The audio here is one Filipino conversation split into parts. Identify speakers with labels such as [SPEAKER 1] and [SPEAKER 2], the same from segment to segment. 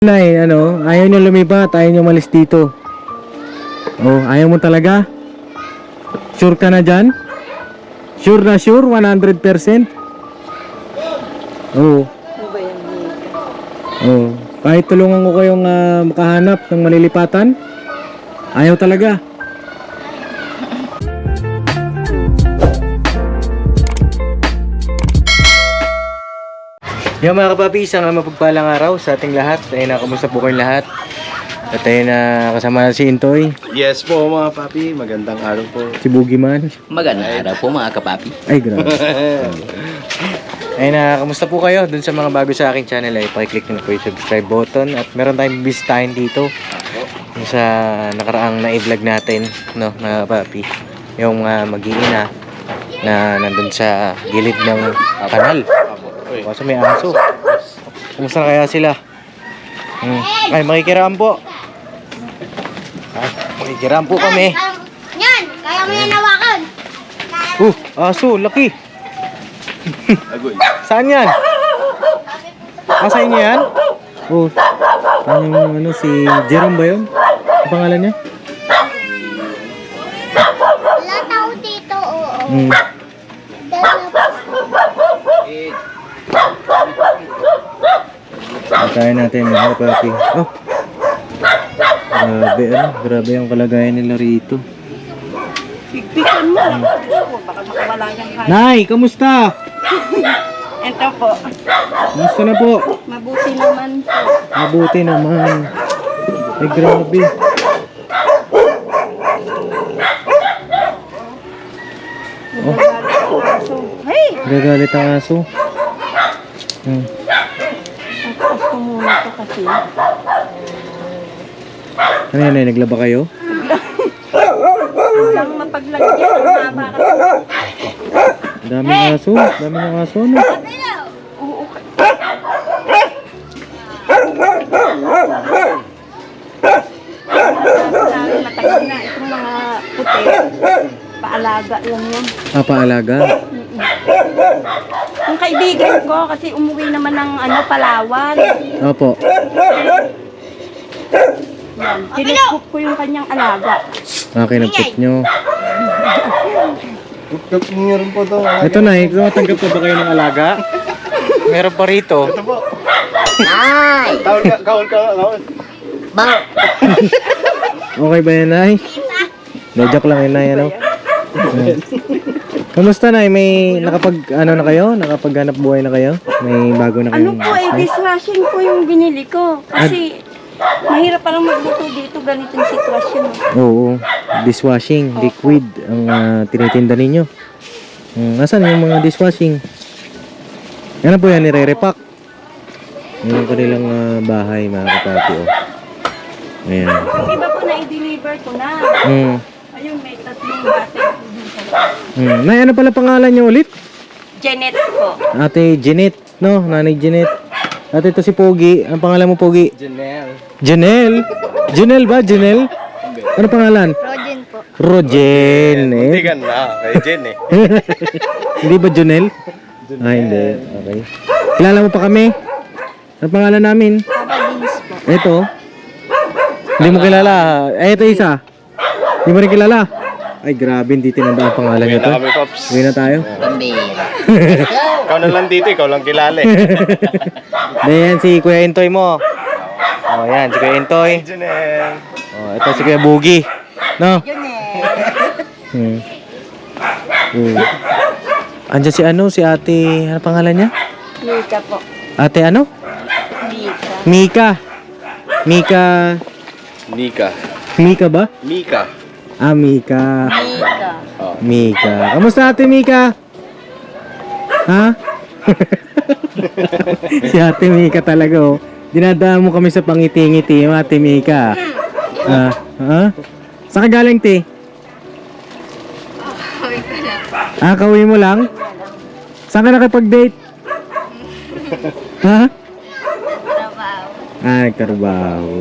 [SPEAKER 1] Nay, ano, ayaw nyo lumipat, ayaw nyo malis dito. Oh, ayaw mo talaga? Sure ka na dyan? Sure na sure? 100%? Oo. Oh, kahit tulungan ko kayong makahanap ng malilipatan, ayaw talaga. Yung mga kapapi, isang mapagpalang araw sa ating lahat. Ayun na, kamusta po kayong lahat? At ayun na, kasama na si Intoy.
[SPEAKER 2] Yes po mga papi, magandang araw po.
[SPEAKER 1] Si Boogeyman.
[SPEAKER 3] Magandang araw po mga kapapi.
[SPEAKER 1] Ay, grabe. Ayun na, kamusta po kayo? Dun sa mga bago sa aking channel ay pakiclick nyo po yung subscribe button. At meron tayong bisitahin dito. Yung sa nakaraang na-vlog natin, no, mga kapapi. Yung mag-iina na nandun sa gilid ng kanal. Kasi may aso. Kumusta na kaya sila? Ay, makikiraan po. Ay, makikiraan po kami.
[SPEAKER 4] Yan! Kaya mo yan hawakan!
[SPEAKER 1] Aso, laki.
[SPEAKER 2] Agoy.
[SPEAKER 1] Saan yan? Sa inyo yan? Ano, si Jerome ba yun? Ang pangalan niya?
[SPEAKER 4] Wala tao dito, oo.
[SPEAKER 1] Pagkain natin mga papi. Oh. Grabe, grabe yung kalagayan nila rito.
[SPEAKER 5] Higpitan mo. Baka makawala yung kaya.
[SPEAKER 1] Nay, kamusta?
[SPEAKER 5] Ito po.
[SPEAKER 1] Kamusta na po?
[SPEAKER 5] Mabuti naman po.
[SPEAKER 1] Mabuti naman. Ay, grabe. Oh,
[SPEAKER 5] So, hey!
[SPEAKER 1] gagalit ang aso.
[SPEAKER 5] Tapos ko muna ito kasi.
[SPEAKER 1] Ano yan, Nay? Naglaba kayo?
[SPEAKER 5] Lang mapaglagyan. Ang haba kasi.
[SPEAKER 1] Daming aso. Daming aso, no?
[SPEAKER 5] Oo. Matagal na itong mga puti. Paalaga lang yan.
[SPEAKER 1] Paalaga?
[SPEAKER 5] Yung kaibigan ko kasi umuwi naman ng Palawan.
[SPEAKER 1] Opo.
[SPEAKER 5] Tinipop ko yung kanyang alaga.
[SPEAKER 1] Kinagpit nyo.
[SPEAKER 2] Tuktok niyo rin po to.
[SPEAKER 1] Ito, Nay. Tumatanggap pa ba kayo ng alaga? Meron pa rito.
[SPEAKER 2] Ito po.
[SPEAKER 3] Nay!
[SPEAKER 2] Kaul ka.
[SPEAKER 3] Bang!
[SPEAKER 1] Okay ba yan, Nay? Joke lang yun, Nay, ano? Kamusta, Nay? May na kayo? Nakapaghanap buhay na kayo? May bago na kayong
[SPEAKER 5] Dishwashing po yung binili ko. Kasi mahirap parang magluto dito, ganitong sitwasyon.
[SPEAKER 1] Oo. Dishwashing, liquid ang tinitinda ninyo. Nasaan yung mga dishwashing? Ano po yan? Nire-repack. Yung kanilang bahay, mga kapapi. Ayan.
[SPEAKER 5] Yung iba po na i-deliver ko na. Ayun, may 3 battery po dun sa loob.
[SPEAKER 1] Nay, ano pala pangalan niyo ulit?
[SPEAKER 5] Janet po.
[SPEAKER 1] Ate Jeanette, no? Nanay Jeanette. Ate, ito si Pogi. Ang pangalan mo, Pogi?
[SPEAKER 2] Janelle.
[SPEAKER 1] Janelle? Janelle ba? Janelle? Ano pangalan?
[SPEAKER 4] Rogen po.
[SPEAKER 1] Rogen.
[SPEAKER 2] Hindi ka na. Kay Jen eh.
[SPEAKER 1] Hindi ba Janelle? Hindi. Okay. Kilala mo pa kami? Ano pangalan namin?
[SPEAKER 4] Papa Dins po.
[SPEAKER 1] Ito. Hindi mo kilala. Ito isa. Hindi mo rin kilala. Ay, grabe. Hindi tinanda ang pangalan
[SPEAKER 2] Uwi
[SPEAKER 1] nito.
[SPEAKER 2] na kami, Pops.
[SPEAKER 1] Uwi na tayo.
[SPEAKER 3] Pambira.
[SPEAKER 2] Ikaw na lang dito, ikaw lang kilala eh.
[SPEAKER 1] Yan si Kuya Intoy mo. Yan. Si Kuya Intoy.
[SPEAKER 2] Janelle.
[SPEAKER 1] Ito si Kuya Boogie. No? Andiyan si ate, ano pangalan niya?
[SPEAKER 5] Mika po.
[SPEAKER 1] Ate ano?
[SPEAKER 5] Mika.
[SPEAKER 1] Mika. Mika ba?
[SPEAKER 2] Mika.
[SPEAKER 1] Mika.
[SPEAKER 5] Mika.
[SPEAKER 1] Mika. Kamusta ate Mika? Ha? Si ate Mika talaga Dinadaan mo kami sa pangiti-ngiti, ate Mika. Ha? Saan ka galing, te? Kauwi mo lang? Saan ka nakipag-date? Ha? Nagtrabaho.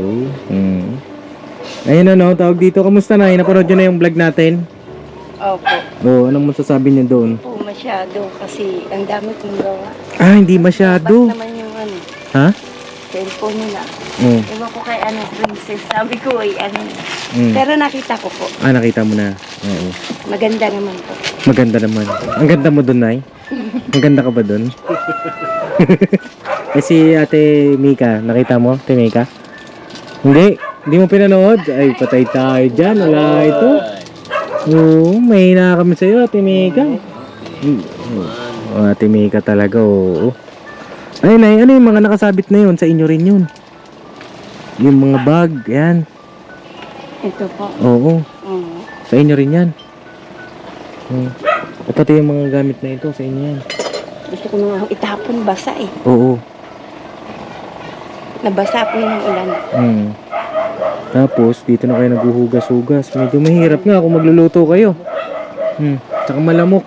[SPEAKER 1] Ayun tawag dito. Kamusta na? Napanood nyo na yung vlog natin?
[SPEAKER 5] Opo.
[SPEAKER 1] Anong masasabi niyo doon?
[SPEAKER 5] Po masyado kasi ang dami kong gawa.
[SPEAKER 1] Hindi masyado.
[SPEAKER 5] Naman yung
[SPEAKER 1] Ha?
[SPEAKER 5] cellphone nila.
[SPEAKER 1] Mm.
[SPEAKER 5] Ewan ko kay ano, princess. Sabi ko ay ano.
[SPEAKER 1] Mm.
[SPEAKER 5] Pero nakita ko po.
[SPEAKER 1] Ah, nakita mo na. Oo.
[SPEAKER 5] Maganda naman po.
[SPEAKER 1] Maganda naman. Ang ganda mo dun, Nay. Maganda ka ba dun? Eh si Ate Mika, nakita mo, Ate Mika? Hindi mo pinanood? Ay, patay tayo dyan. Wala ito. Oo, may hina kami sa'yo, Ate Mika. Oh, Ate Mika talaga, oo. Ay, Nay, ano yung mga nakasabit na yun? Sa inyo rin yun. Yung mga bag, yan.
[SPEAKER 5] Ito po.
[SPEAKER 1] Oo,
[SPEAKER 5] Mm.
[SPEAKER 1] sa inyo rin yan. At pati yung mga gamit na ito, sa inyo yan.
[SPEAKER 5] Gusto ko nung itapon, basa eh.
[SPEAKER 1] Oo.
[SPEAKER 5] Nabasa po yung ulan.
[SPEAKER 1] Tapos, dito na kayo naghuhugas-hugas. Medyo mahirap nga kung magluluto kayo. Tsaka malamok.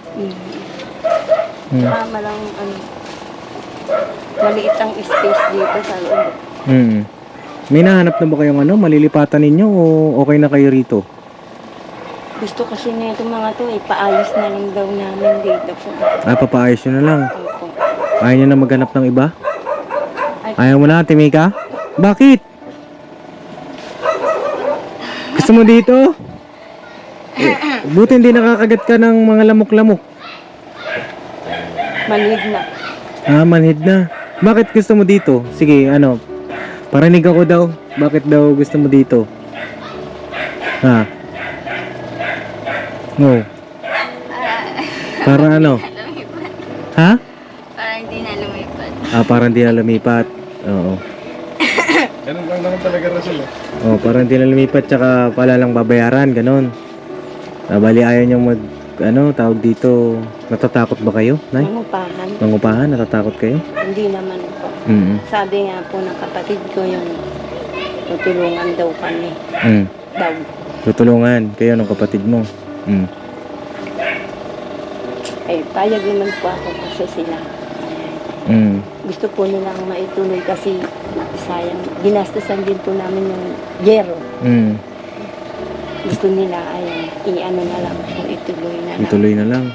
[SPEAKER 5] Tama lang, ano, maliit ang space dito sa loob.
[SPEAKER 1] May nahanap na ba kayong ano, malilipatan ninyo o okay na kayo rito?
[SPEAKER 5] Gusto kasi na itong mga to, ipaayos na lang daw namin dito po.
[SPEAKER 1] Ah, papaayos nyo na lang.
[SPEAKER 5] Opo.
[SPEAKER 1] Ayaw nyo na maghanap ng iba? Ayaw mo na, Ate Mika? Bakit? Gusto mo dito? Buti hindi nakakagat ka ng mga lamok-lamok.
[SPEAKER 5] Manhid na.
[SPEAKER 1] Ah, manhid na. Bakit gusto mo dito? Sige, ano, parinig ako daw. Bakit daw gusto mo dito? Ha? No. Para ano? Ha?
[SPEAKER 4] Para hindi na lumipat.
[SPEAKER 1] Ah, parang di na lumipat. Oo.
[SPEAKER 2] Ganun lang naman talaga Rasul.
[SPEAKER 1] Oh, parang di na lumipat tsaka pala lang babayaran, ganun. Bali ayaw niyong mag, ano, tawag dito, natatakot ba kayo, Nay?
[SPEAKER 5] Mangupahan.
[SPEAKER 1] Mangupahan, natatakot kayo?
[SPEAKER 5] Hindi naman po. Sabi nga po ng kapatid ko yung tutulungan daw kami. Daw.
[SPEAKER 1] Tutulungan kayo ng kapatid mo.
[SPEAKER 5] Eh, payag naman po ako kasi sila. Gusto po nilang maituloy kasi sayang. Ginastusan din po namin yung yero. Gusto nila ay i-ano na lang po, ituloy na lang.
[SPEAKER 1] Ituloy na lang.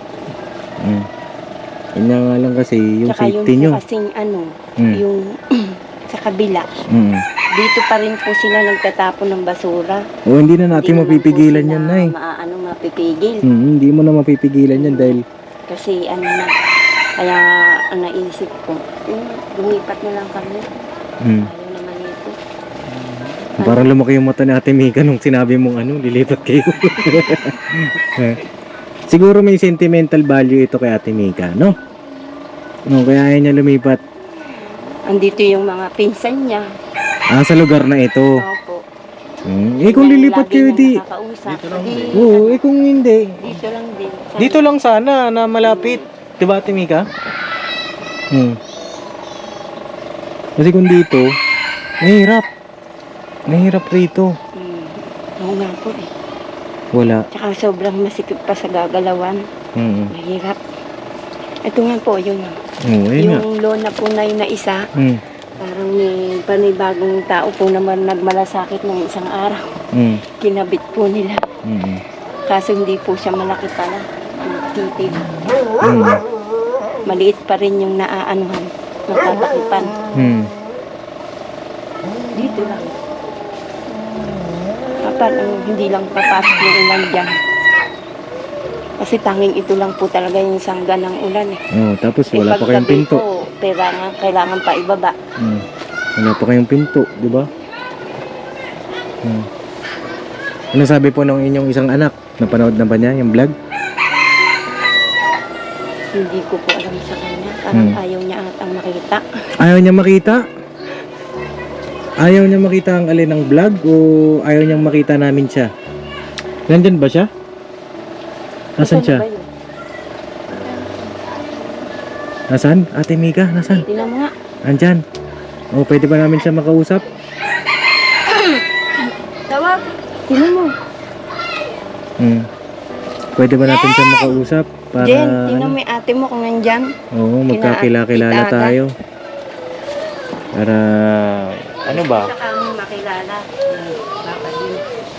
[SPEAKER 1] Yun na nga lang kasi yung
[SPEAKER 5] Tsaka
[SPEAKER 1] safety
[SPEAKER 5] yung
[SPEAKER 1] nyo.
[SPEAKER 5] po kasing ano, yung sa kabila. Dito pa rin po sila nagtatapon ng basura.
[SPEAKER 1] O hindi na natin
[SPEAKER 5] Hindi naman
[SPEAKER 1] mapipigilan
[SPEAKER 5] po
[SPEAKER 1] yan,
[SPEAKER 5] sila
[SPEAKER 1] Nay.
[SPEAKER 5] mapipigil.
[SPEAKER 1] Hindi mo na mapipigilan yan dahil
[SPEAKER 5] Kasi ano na, kaya ang naisip ko, lumipat na lang kami. Ayaw naman ito.
[SPEAKER 1] parang lumaki yung mata ni Ate Mika nung sinabi mong ano, lilipat kayo. Siguro may sentimental value ito kay Ate Mika, no? No, kaya ayaw niya lumipat.
[SPEAKER 5] Andito yung mga pinsan niya.
[SPEAKER 1] Ah, sa lugar na ito.
[SPEAKER 5] Opo.
[SPEAKER 1] Eh kung lilipat
[SPEAKER 5] Lagi
[SPEAKER 1] kayo
[SPEAKER 5] niyang
[SPEAKER 1] di.
[SPEAKER 5] nakakausap.
[SPEAKER 1] Oo, eh kung hindi.
[SPEAKER 5] Dito lang din.
[SPEAKER 1] Dito lang sana na malapit. Diba Ate Mika? Kasi kung dito, mahirap. Mahirap rito.
[SPEAKER 5] Oo nga po eh.
[SPEAKER 1] Wala.
[SPEAKER 5] Tsaka sobrang masikip pa sa gagalawan. Mahirap. Ito nga po, yun nga.
[SPEAKER 1] Oo, yun nga.
[SPEAKER 5] Yung lona po na yun na isa, parang may panibagong tao po naman nagmalasakit ng isang araw. Kinabit po nila. Kaso hindi po siya malaki pala. Titib. Maliit pa rin yung naaanuhan. Natatakipan. Dito lang. Parang hindi lang papasok yung ulan dyan. Kasi tanging ito lang po talaga yung sangga ng ulan eh.
[SPEAKER 1] Oh, tapos wala pa kayong
[SPEAKER 5] paggabi
[SPEAKER 1] pinto.
[SPEAKER 5] po, kailangan pa ibaba.
[SPEAKER 1] Wala pa kayong pinto, di ba? Ano sabi po ng inyong isang anak? Napanood na ba niya yung vlog?
[SPEAKER 5] Hindi ko po alam sa kanya. Parang ayaw niya atang makita.
[SPEAKER 1] Ayaw niya makita? Ayaw niya makita ang alin ng vlog o ayaw niyang makita namin siya? Nandyan ba siya? Nasaan siya?
[SPEAKER 5] Ano ba yun?
[SPEAKER 1] Nasaan? Ate Mika, nasaan?
[SPEAKER 5] Tingnan mo nga.
[SPEAKER 1] Andyan. O, pwede ba namin siya makausap?
[SPEAKER 5] Tawag. Tingnan mo.
[SPEAKER 1] Pwede ba natin siya makausap? Para,
[SPEAKER 5] Jen, tingnan mo yung ate mo kung nandyan.
[SPEAKER 1] Oo, magkakilala
[SPEAKER 5] Kita
[SPEAKER 1] tayo. Para, ano ba?
[SPEAKER 5] Saka mo makilala. Baka din.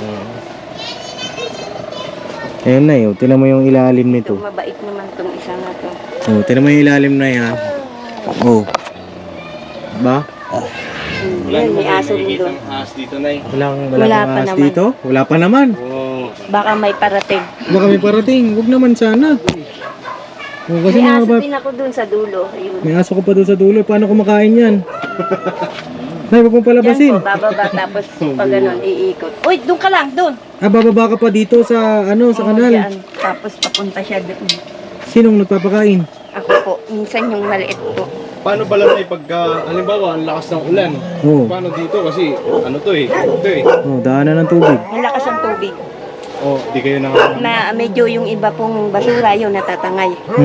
[SPEAKER 1] Ayun na yun, tinan mo yung ilalim nito.
[SPEAKER 5] Ito, mabait naman tong isa na to.
[SPEAKER 1] Oh, tinan mo yung ilalim na yan. Oh. Ba?
[SPEAKER 5] Yan, may aso rin doon.
[SPEAKER 2] Ahas dito, Nay.
[SPEAKER 1] Wala
[SPEAKER 5] Wala
[SPEAKER 1] pang
[SPEAKER 5] pa
[SPEAKER 1] ahas
[SPEAKER 5] naman.
[SPEAKER 1] dito? Wala pa naman.
[SPEAKER 2] Oo.
[SPEAKER 5] Baka may parating.
[SPEAKER 1] Baka may parating. Huwag naman sana. Oh, kasi
[SPEAKER 5] May
[SPEAKER 1] mga
[SPEAKER 5] aso
[SPEAKER 1] bat,
[SPEAKER 5] din ako doon sa dulo. Ayun.
[SPEAKER 1] may aso ko pa doon sa dulo. Paano kumakain yan? Nay, huwag mong
[SPEAKER 5] Diyan
[SPEAKER 1] palabasin.
[SPEAKER 5] po, bababa tapos pag ganun, iikot. Uy, doon ka lang, doon.
[SPEAKER 1] Ah, bababa ka pa dito sa, sa
[SPEAKER 5] Oo,
[SPEAKER 1] kanal.
[SPEAKER 5] diyan. Tapos papunta siya doon.
[SPEAKER 1] Sinong nagpapakain?
[SPEAKER 5] Ako po, minsan yung maliit po.
[SPEAKER 2] Paano pala Nay pagka, halimbawa, ang lakas ng ulan?
[SPEAKER 1] Oo.
[SPEAKER 2] Paano dito? Kasi, ano to eh. Ito eh.
[SPEAKER 1] Oh, daanan ng tubig.
[SPEAKER 5] Malakas ang tubig.
[SPEAKER 2] Oh, di kayo naka...
[SPEAKER 5] Medyo yung iba pong basura yun natatangay.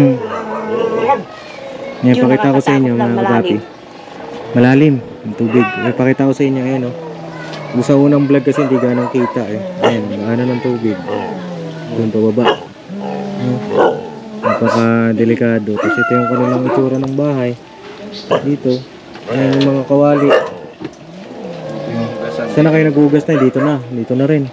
[SPEAKER 1] Yan,
[SPEAKER 5] Yung
[SPEAKER 1] pakita ko sa inyo
[SPEAKER 5] nakakatakot lang,
[SPEAKER 1] mga kapapi. Malalim ang tubig. Pakita ko sa inyo, ayan o. Sa unang vlog kasi hindi ganong kita eh. Ayan, daanan ng tubig. Doon pababa. Napaka-delikado. Kasi ito yung kanilang itsura ng bahay. Dito. Ayan yung mga kawali. Saan na kayo nagugas na? Dito na. Dito na rin.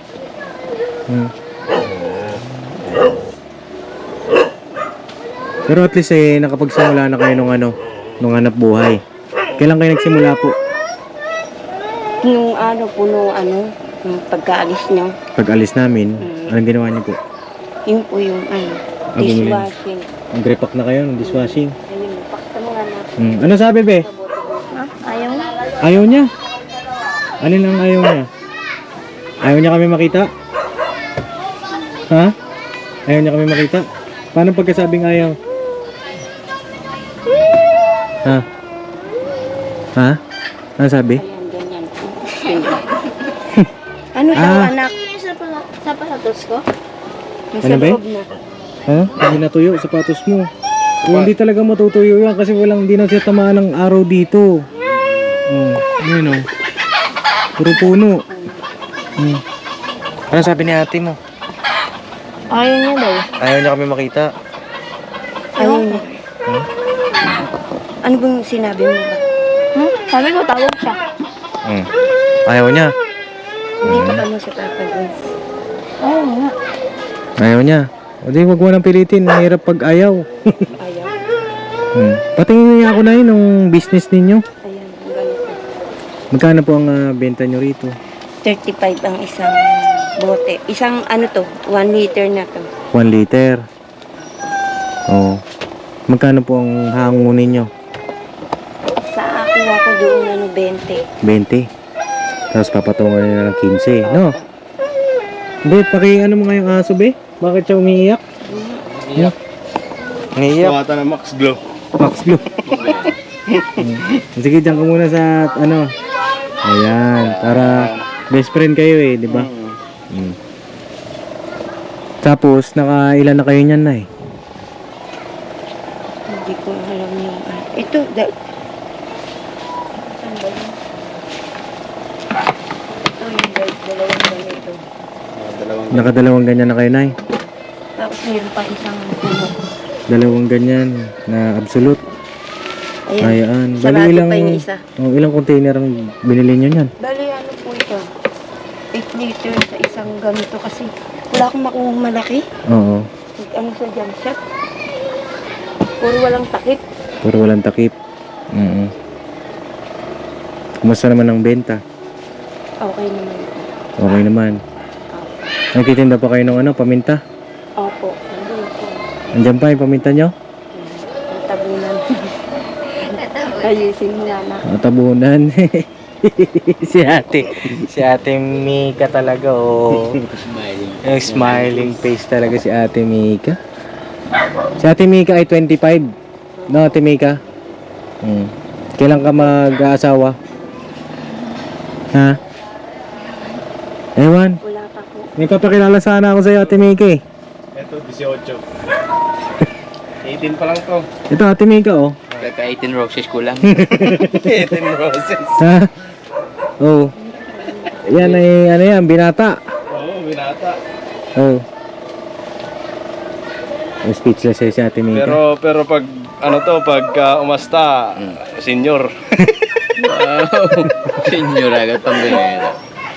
[SPEAKER 1] Pero at least nakapagsimula na kayo nung hanap buhay. Kailan kayo nagsimula po?
[SPEAKER 5] Nung yung pagkaalis nyo,
[SPEAKER 1] Pag alis namin, anong ginawa niyo po?
[SPEAKER 5] yun po yung
[SPEAKER 1] bumili.
[SPEAKER 5] dishwashing.
[SPEAKER 1] Nag-repack na kayo ng dishwashing.
[SPEAKER 5] Ayun, pakita mo nga na.
[SPEAKER 1] Ano sabi be?
[SPEAKER 5] Ha? Ayaw na.
[SPEAKER 1] Ayaw niya? Alin ang ayaw niya? Ayaw niya kami makita? Ha? Ayaw niya kami makita? Paano pagkasabing ayaw? Ha? Ha? Ano sabi?
[SPEAKER 5] Ayan, ganyan. Ano daw, anak?
[SPEAKER 4] Sa pasatos ko?
[SPEAKER 5] Nasa
[SPEAKER 1] Ano ba?
[SPEAKER 5] loob na.
[SPEAKER 1] Ha? Hindi natuyo sapatos mo. Hindi talaga matutuyo yan kasi hindi na siya tamaan ng araw dito. Yun o. Puro puno. Ano sabi ni ate mo?
[SPEAKER 5] Ayaw niya daw.
[SPEAKER 1] Ayaw niya kami makita.
[SPEAKER 5] Ayaw niya. Ano bang sinabi mo ba?
[SPEAKER 4] Sabi ko, tawag siya.
[SPEAKER 1] Ayaw niya.
[SPEAKER 5] Hindi pa kami sa tatagin.
[SPEAKER 4] Ayaw nga.
[SPEAKER 1] Ayaw niya. O di, wag mo nang pilitin. Mahirap pag ayaw.
[SPEAKER 5] Ayaw.
[SPEAKER 1] Patingin niya ako na yun ng business ninyo.
[SPEAKER 5] Ayan, ganito.
[SPEAKER 1] Magkano po ang benta nyo rito?
[SPEAKER 5] 35 ang isang bote. Isang 1 liter na to.
[SPEAKER 1] 1 liter. Oo. Magkano po ang hango ninyo?
[SPEAKER 5] Sa akin ako doon 20.
[SPEAKER 1] 20. Tapos papatungan nila ng 15, no? Be, ano mo nga yung aso, be? Bakit siya umiiyak?
[SPEAKER 2] Iyak.
[SPEAKER 1] Umiiyak?
[SPEAKER 2] Tawata ng Max Glow.
[SPEAKER 1] Max Blue. Sige, dyan ka muna sa, ayan, para best friend kayo eh, di ba? Tapos, nakailan na kayo niyan na eh?
[SPEAKER 5] Hindi ko alam yung ito, saan ba yun? Ito yung dalawang ganito.
[SPEAKER 1] Nakadalawang ganyan na kayo, Nay.
[SPEAKER 5] Tapos mayroon pa isang puno.
[SPEAKER 1] Dalawang ganyan na absolute.
[SPEAKER 5] Ayan.
[SPEAKER 1] Ayan.
[SPEAKER 5] Sarado pa yung isa.
[SPEAKER 1] Ilang container ang binili nyo niyan?
[SPEAKER 5] Bali po ito? 8 liter sa isang ganito kasi wala akong makuhang malaki.
[SPEAKER 1] Oo.
[SPEAKER 5] Sa jam shop. Puro walang takip.
[SPEAKER 1] Puro walang takip. Kumusta naman ang benta?
[SPEAKER 5] Okay naman.
[SPEAKER 1] Okay naman. Nagtitinda pa kayo ng paminta?
[SPEAKER 5] Opo. Nandun po.
[SPEAKER 1] Andiyan pa yung paminta nyo?
[SPEAKER 5] Ang tabunan. Ayusin nga na.
[SPEAKER 1] Tabunan. Si ate Mika talaga, oh. Yung smiling face talaga si ate Mika. Si ate Mika ay 25. No, ate Mika? Kailan ka mag-aasawa? Ha? Ewan.
[SPEAKER 5] Wala pa po.
[SPEAKER 1] May papakilala sana ako sa'yo, ate Mika eh.
[SPEAKER 2] Ito, 18. 18 pa lang to.
[SPEAKER 1] Ito, ate Mika, oh.
[SPEAKER 3] Kaka-18 roses ko lang.
[SPEAKER 2] 18 roses.
[SPEAKER 1] Ha? Oh. Yan ay, yan, binata.
[SPEAKER 2] Oo, binata.
[SPEAKER 1] Oh. Speechless eh si ate Mika.
[SPEAKER 2] Pero pag, pag umasta, senior.
[SPEAKER 3] Wow. Senyor agad pambira.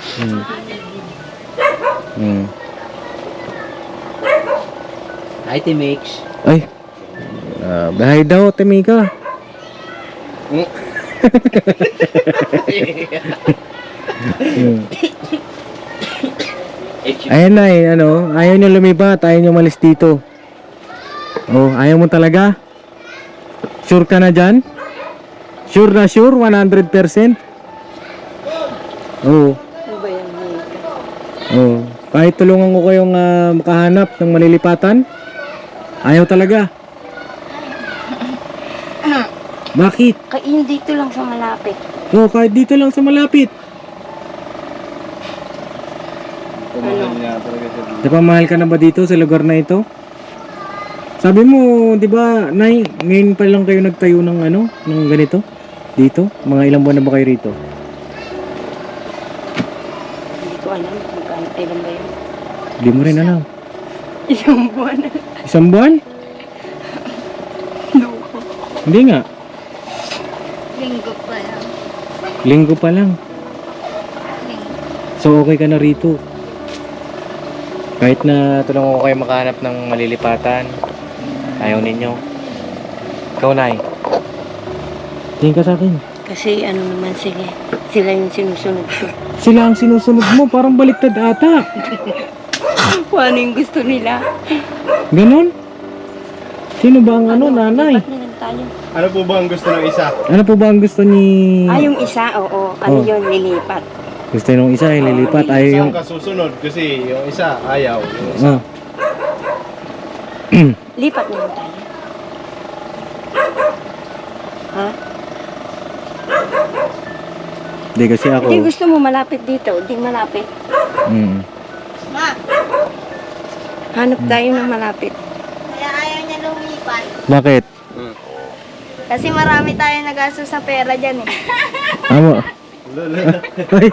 [SPEAKER 3] Hi, Timix.
[SPEAKER 1] Ay. Bahay daw, ate Mika. Ayan na ano, ayaw nyo lumipat, ayaw nyo malis dito. Oh, ayaw mo talaga? Sure ka na dyan? Sure na sure, 100%? Oo.
[SPEAKER 5] Ano ba yan, Mika?
[SPEAKER 1] Oo. Kahit tulungan ko kayong makahanap ng malilipatan, ayaw talaga. Bakit?
[SPEAKER 5] Kain dito lang sa malapit.
[SPEAKER 1] Oo, kahit dito lang sa malapit.
[SPEAKER 2] Pumahal niya talaga siya dito.
[SPEAKER 1] Napamahal ka na ba dito sa lugar na ito? Sabi mo, di ba, Nay, ngayon pa lang kayo nagtayo ng ano, ng ganito? Dito? Mga ilang buwan na ba kayo rito?
[SPEAKER 5] Hindi ko alam kung kailan ba yun.
[SPEAKER 1] Hindi mo rin alam.
[SPEAKER 5] Isang buwan na.
[SPEAKER 1] Isang buwan?
[SPEAKER 5] Loko.
[SPEAKER 1] Hindi nga.
[SPEAKER 4] Linggo pa lang.
[SPEAKER 1] Linggo pa lang.
[SPEAKER 4] Linggo.
[SPEAKER 1] So okay ka na rito. Kahit na tulungan ko kayo makahanap ng malilipatan, ayaw ninyo. Ikaw, Nay. Tingin ka sa akin.
[SPEAKER 5] Kasi ano naman sila yung sinusunod ko.
[SPEAKER 1] Sila ang sinusunod mo, parang baliktad ata.
[SPEAKER 5] Kung ano yung gusto nila.
[SPEAKER 1] Ganon? Sino ba ang ano, nanay?
[SPEAKER 5] Lipat na lang tayo.
[SPEAKER 2] Ano po ba ang gusto ng isa?
[SPEAKER 1] Ano po ba ang gusto ni...
[SPEAKER 5] Yung isa, oo. Ano
[SPEAKER 1] Oh.
[SPEAKER 5] yun, lilipat.
[SPEAKER 1] Gusto nung isa ay lilipat, ayaw
[SPEAKER 2] Isa
[SPEAKER 1] yung...
[SPEAKER 2] ang kasusunod kasi yung isa ayaw. Yung isa.
[SPEAKER 1] Ah.
[SPEAKER 5] Lipat na lang tayo. Ha?
[SPEAKER 1] Hindi kasi ako...
[SPEAKER 5] Hindi gusto mo malapit dito. Hindi malapit.
[SPEAKER 1] Mm.
[SPEAKER 4] Ma,
[SPEAKER 5] Hanap tayo ng malapit.
[SPEAKER 4] kaya ayaw niya lumipat.
[SPEAKER 1] Bakit?
[SPEAKER 4] Kasi marami tayo nagastos sa pera dyan eh.
[SPEAKER 1] Amo. Ay.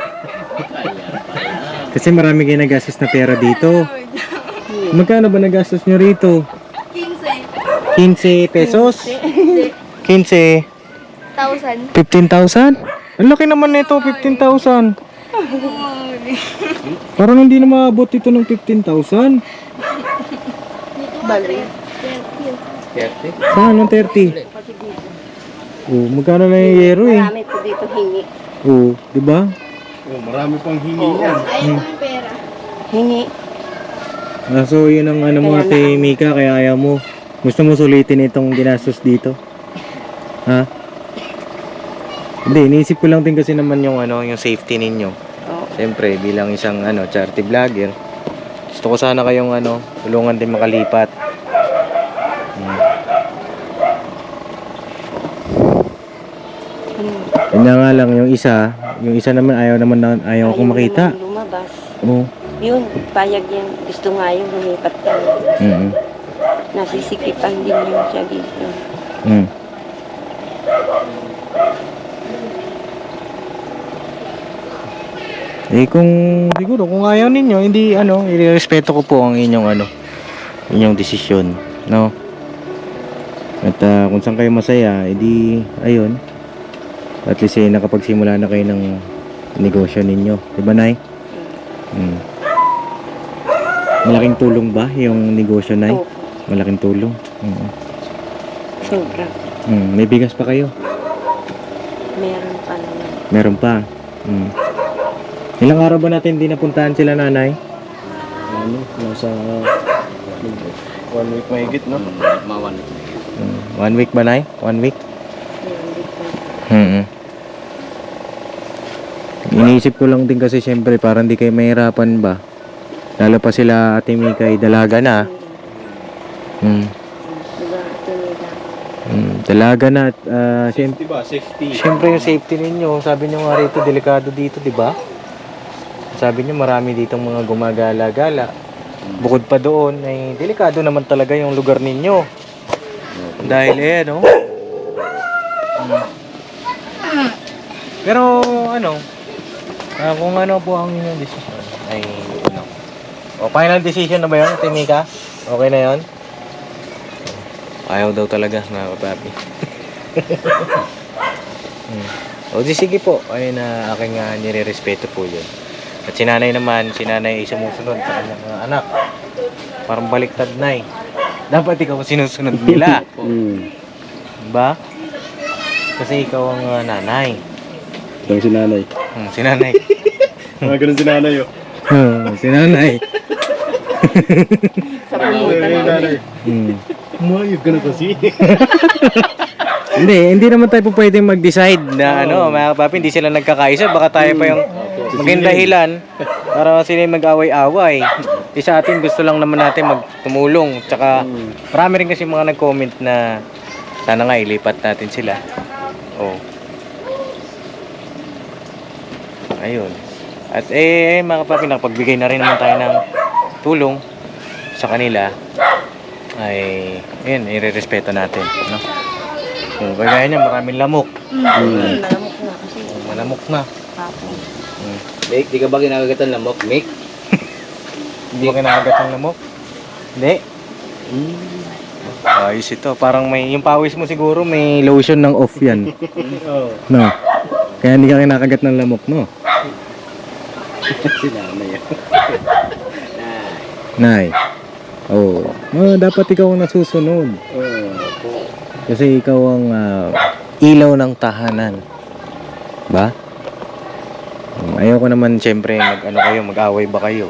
[SPEAKER 1] Kasi marami kayo nagastos na pera dito. Magkano ba nagastos nyo rito?
[SPEAKER 4] 15,000.
[SPEAKER 1] 15 pesos? 15? 15,000? Ang laki naman nito, 15,000. Parang hindi na maabot ito ng 15,000.
[SPEAKER 5] Bali.
[SPEAKER 3] 30?
[SPEAKER 1] Saan ang 30? Oh, magkano na yung yero eh?
[SPEAKER 5] Marami po dito hingi.
[SPEAKER 1] Oh, di ba?
[SPEAKER 2] Oh, marami pang hingi yan.
[SPEAKER 4] Ayaw ko yung pera.
[SPEAKER 5] Hingi.
[SPEAKER 1] So yun ang ano mo
[SPEAKER 5] Kaya
[SPEAKER 1] ate Mika, kaya ayaw mo. Gusto mo sulitin itong ginastos dito? Ha? Hindi, iniisip ko lang din kasi naman yung ano, yung safety ninyo.
[SPEAKER 5] Oo.
[SPEAKER 1] Siyempre, bilang isang ano, charity vlogger, gusto ko sana kayong ano, tulungan din makalipat. Yun na nga lang, yung isa naman ayaw ko makita.
[SPEAKER 5] naman lumabas.
[SPEAKER 1] Oo.
[SPEAKER 5] Yun, payag yan. Gusto nga yung lumipat ka. Nasisikipan din yun siya dito.
[SPEAKER 1] Mm. Eh kung siguro kung ayaw ninyo, hindi ano, irerespeto ko po ang inyong desisyon, no? At kung saan kayo masaya, edi ayun. At least nakapagsimula na kayo ng negosyo ninyo, 'di ba, Nay? Mm. Malaking tulong ba yung negosyo, Nay?
[SPEAKER 5] Oo.
[SPEAKER 1] Malaking tulong.
[SPEAKER 5] Sobra.
[SPEAKER 1] May bigas pa kayo?
[SPEAKER 5] Meron pa naman.
[SPEAKER 1] Meron pa. Ilang araw ba natin hindi napuntahan sila, nanay?
[SPEAKER 2] Ano? Nasa 1 week mahigit, no?
[SPEAKER 3] Mawan.
[SPEAKER 1] 1 week ba, nay? 1 week?
[SPEAKER 5] Meron dito.
[SPEAKER 1] Iniisip ko lang din kasi syempre para hindi kayo mahirapan ba. Lalo pa sila Ate Mika ay dalaga na.
[SPEAKER 5] Diba, tinida.
[SPEAKER 1] Dalaga na at syempre,
[SPEAKER 2] Diba? Safety.
[SPEAKER 1] syempre yung safety ninyo, sabi nyo nga rito delikado dito, di ba? Sabi nyo marami ditong mga gumagala-gala. Bukod pa doon ay delikado naman talaga yung lugar ninyo. Dahil no? Pero ano, kung ano po ang inyong decision ay ano. O final decision na ba 'yon, Ate Mika? Okay na 'yon? Ayaw daw talaga, mga kapapi. O di sige po, ayun na aking nire-respeto po 'yun. At si nanay naman, si nanay ay sumusunod sa kanyang mga anak. Parang baliktad na eh. Dapat ikaw sinusunod nila. Diba? Kasi ikaw ang nanay.
[SPEAKER 2] Ito si nanay.
[SPEAKER 1] Si nanay.
[SPEAKER 2] Mga ganun si nanay, oh.
[SPEAKER 1] Si nanay.
[SPEAKER 5] Sa pumunta namin.
[SPEAKER 2] Umayag ka na kasi.
[SPEAKER 1] Hindi naman tayo po pwedeng mag-decide na mga kapapi, hindi sila nagkakaisa. Baka tayo pa yung maging dahilan para sila yung mag-away-away. Sa atin, gusto lang naman natin magtumulong. Tsaka marami rin kasi mga nag-comment na sana nga ilipat natin sila. Oh. Ayun. At mga kapapi, nakapagbigay na rin naman tayo ng tulong sa kanila. Ay, ayun, irerespeto natin. No? Kung kagaya niya, maraming lamok.
[SPEAKER 5] Malamok na kasi.
[SPEAKER 1] Malamok na.
[SPEAKER 5] Papo.
[SPEAKER 3] Mick, di ka ba kinakagat ng lamok, Mick?
[SPEAKER 1] Hindi mo kinakagat ng lamok? Hindi. Ayos ito. Parang yung pawis mo siguro may lotion ng off yan. No? Kaya hindi ka kinakagat ng lamok, no?
[SPEAKER 3] Si nanay.
[SPEAKER 1] Nay. Oh. Dapat ikaw ang nasusunod. Kasi ikaw ang ilaw ng tahanan. Ba? Ayoko naman siyempre mag-away ba kayo?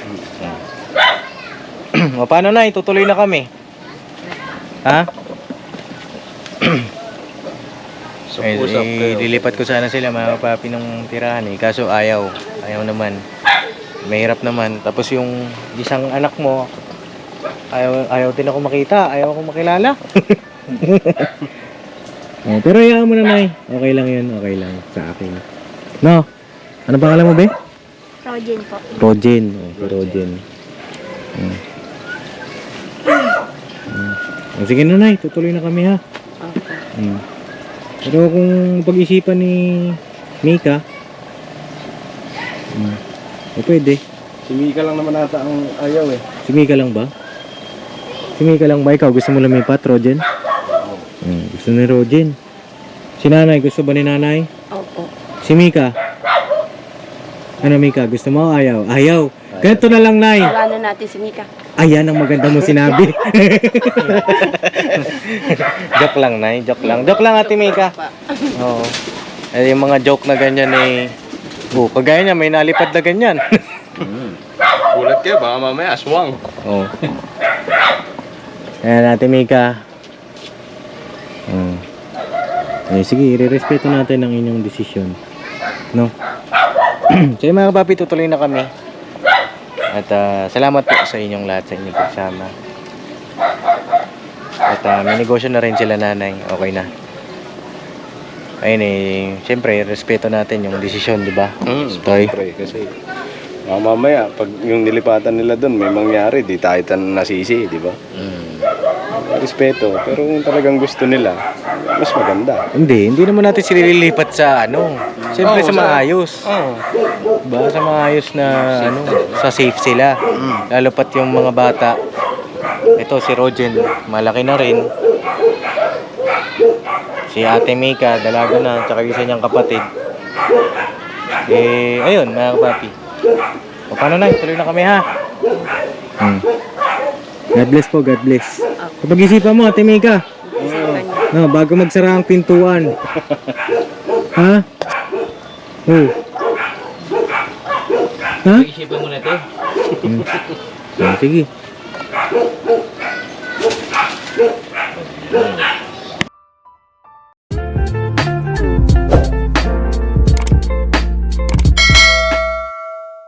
[SPEAKER 1] O paano na, itutuloy na kami. Ha? Lilipat ko sana sila mga kapapi ng tirahan eh. Kaso ayaw naman. Mahirap naman. Tapos yung isang anak mo, ayaw din ako makita, ayaw ako makilala. Pero hayaan mo na, Nay. Okay lang yun, okay lang sa akin. No? Ano pangalan mo, be?
[SPEAKER 4] Rogen po.
[SPEAKER 1] Rogen. Si Rogen. Sige na, Nay. Tutuloy na kami, ha? Pero kung pag-isipan ni Mika, pwede.
[SPEAKER 2] Si Mika lang naman ata ang ayaw, eh.
[SPEAKER 1] Si Mika lang ba? Si Mika lang ba? Ikaw gusto mo lumipat, Rogen? Gusto ni Rogen. Si nanay, gusto ba ni nanay?
[SPEAKER 5] Opo.
[SPEAKER 1] Si Mika? Ano, Mika? Gusto mo o ayaw? Ayaw. Ganito na lang, Nay.
[SPEAKER 5] Wala na natin si Mika.
[SPEAKER 1] Ayan ang maganda mo sinabi. Joke lang, Nay. Joke lang. Joke lang, Ate Mika. Oo. Yung mga joke na ganyan eh. Kagaya niya, may nalipad na ganyan.
[SPEAKER 2] Gulat ka, baka mamaya aswang.
[SPEAKER 1] Oo. Ayan, Ate Mika. Sige, irerespeto natin ang inyong desisyon. No? So mga kapapi, tutuloy na kami. At salamat po sa inyong lahat, sa inyong pagsama. At may negosyo na rin sila, nanay. Okay na. Ayun siyempre, respeto natin yung desisyon, di ba? Toy?
[SPEAKER 2] Siyempre, kasi mamaya, pag yung nilipatan nila doon, may mangyari, di tayo nasisi, di ba? Respeto, pero kung talagang gusto nila, mas maganda.
[SPEAKER 1] Hindi naman natin sila lilipat sa siyempre sa maayos. Diba? Sa maayos na sa safe sila. Lalo pat yung mga bata. Ito si Rogen, malaki na rin. Si Ate Mika, dalaga na, tsaka isa niyang kapatid. Ayun mga kapapi. O paano na, tuloy na kami, ha? God bless po, God bless. Kapag-isipan mo, Ate Mika. Bago magsara ang pintuan. Ha? Ha?
[SPEAKER 3] Isipan mo na ito.
[SPEAKER 1] Sige.